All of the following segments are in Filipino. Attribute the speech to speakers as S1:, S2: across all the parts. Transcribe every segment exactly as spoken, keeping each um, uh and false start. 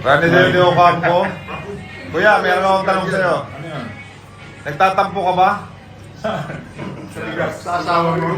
S1: Rani Del Ocampo. Kuya, meron akong tanong sa'yo.
S2: Ano yan?
S1: Nagtatampo ka ba?
S3: Sa asawa mo.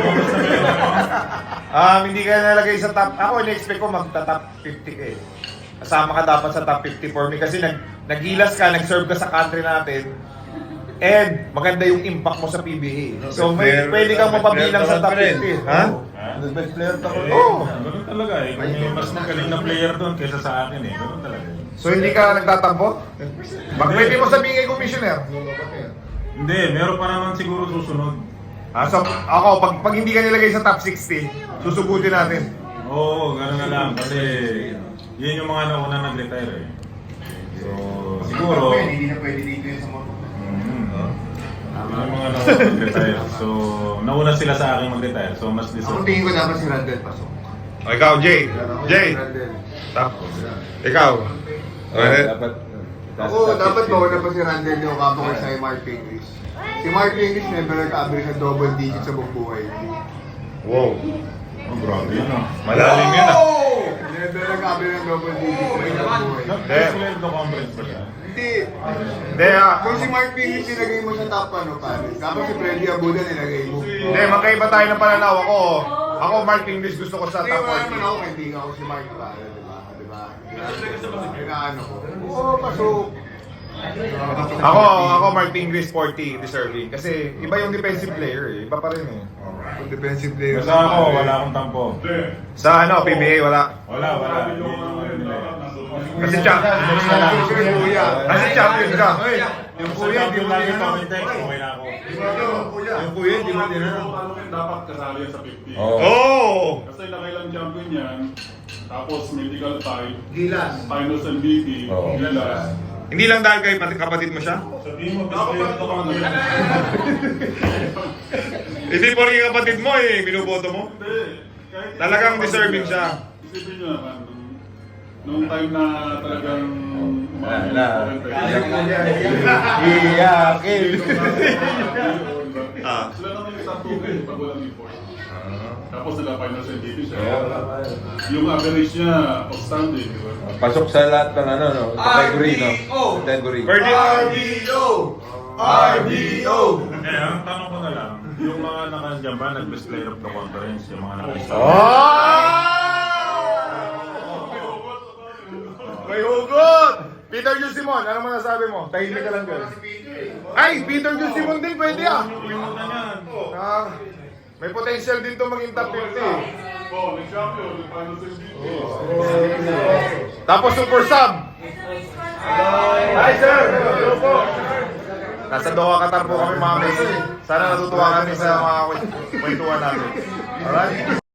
S1: Um, hindi ka nalagay sa top. Ako, in-expect ko magta-top fifty ka eh. Kasama ka dapat sa top fifty for me kasi nag naghilas ka, nag-serve ka sa country natin. And maganda yung impact mo sa P B A. So may pwede kang mapabilang sa top fifty. Ha?
S3: Best player ako.
S1: Oo.
S2: Ganun talaga eh. Kung may mas magaling na player doon kaysa sa akin eh. Ganun talaga eh.
S1: So hindi ka nagtatampo? Bak pwede mo sabihin kay Commissioner.
S2: Hindi, meron pa naman siguro susunod.
S1: Ah, so, ako, pag, pag hindi ka nilagay sa top sixty, susugutin natin.
S2: Oo, gano'n na lang. Kasi yun yung mga nauna nag-retire eh. So, siguro...
S3: Hindi na pwede dito yung sa moto.
S2: Mm, yun yung mga nauna nag-retire. So, nauna sila sa akin mag-retire. So, mas
S3: Ako
S2: deserve.
S3: tingin ko dapat si Randall pasok.
S1: O, ikaw, Jay. Jay. Top. Ikaw.
S4: Dapat.
S3: Ako, dapat mauna pa si Randall yung kapo kay si Mark English. Si Mark English never nag-average ng double digit sa buong buhay.
S1: Wow.
S2: Oh, grabe yun ah.
S1: Malalim yun ah.
S3: Never nag-average ng double digit sa buong buhay.
S2: Nag-sweldo conference ba siya?
S3: Hindi.
S1: Hindi ah.
S3: Kung si Mark English nilagay mo sa top ano, pare. Kapag si Freddy Abuda nilagay mo.
S1: Hindi, magkaiba tayo ng pananaw. Ako, ako Mark English gusto ko sa
S3: Hindi
S1: top
S3: mo naman
S1: forty.
S3: ako, kaibigan ko si Mark, pare. Diba? Diba? Inaano ko. Oo, pasok.
S1: Ako, ako Mark English forty deserving. Kasi iba yung defensive player eh. Iba pa rin eh.
S3: Kung defensive player.
S2: Basta ako, wala akong tampo.
S1: Sa ano, P B A wala.
S2: Wala, wala. Yun yung ano nila eh.
S1: Kasi champion.
S3: Yung kuya.
S1: Kasi champion ka.
S3: Yung
S2: Basta
S3: kuya, hindi
S2: champion
S3: mo
S2: lagi
S3: din
S2: sa
S3: ano.
S2: context, okay na ako.
S3: Yung kuya. Yung kuya, hindi mo din ano.
S5: Dapat kasali yan sa fifty.
S4: Oo.
S1: Oh!
S5: Kasi nakailang champion yan. Tapos medical tie.
S3: Gilas.
S5: Finals M V P.
S4: Oo.
S5: Gilas.
S1: Hindi lang dahil kay pati kapatid mo siya?
S2: Sabihin mo, best player ko kung ano yan.
S1: Hindi po rin kapatid mo eh, binuboto mo.
S5: Hindi. Kahit-
S1: Talagang deserving siya.
S5: Isipin nyo naman, nung, nung time na talagang
S4: Wala.
S5: Iyakin.
S1: Ah.
S5: Sila naman yung top two pag walang report. Tapos sila finals M V P siya.
S4: Oo.
S5: Yung average niya, outstanding. Di ba?
S4: Pasok sa lahat ng ano, no? Category, no? Category.
S1: Pwede.
S3: R B O!
S2: Eh, ang tanong ko na lang, yung mga nakandyan ba, nag-best player of the conference, yung mga nakista.
S1: Oh! May hugot! Peter Jusimon, ano mo nasabi mo? Tahimik ka lang girl. Ay, Peter Jusimon din pwede ah! Ah, may potential din to maging top fifty.
S5: Oh, nag-champion, nag-finals M V P.
S1: Tapos super sub. Hi sir! Hello po! Nasa Doha, Qatar po kami mga Messi. Sana natutuwa kami sa mga kwentuhan natin. Alright?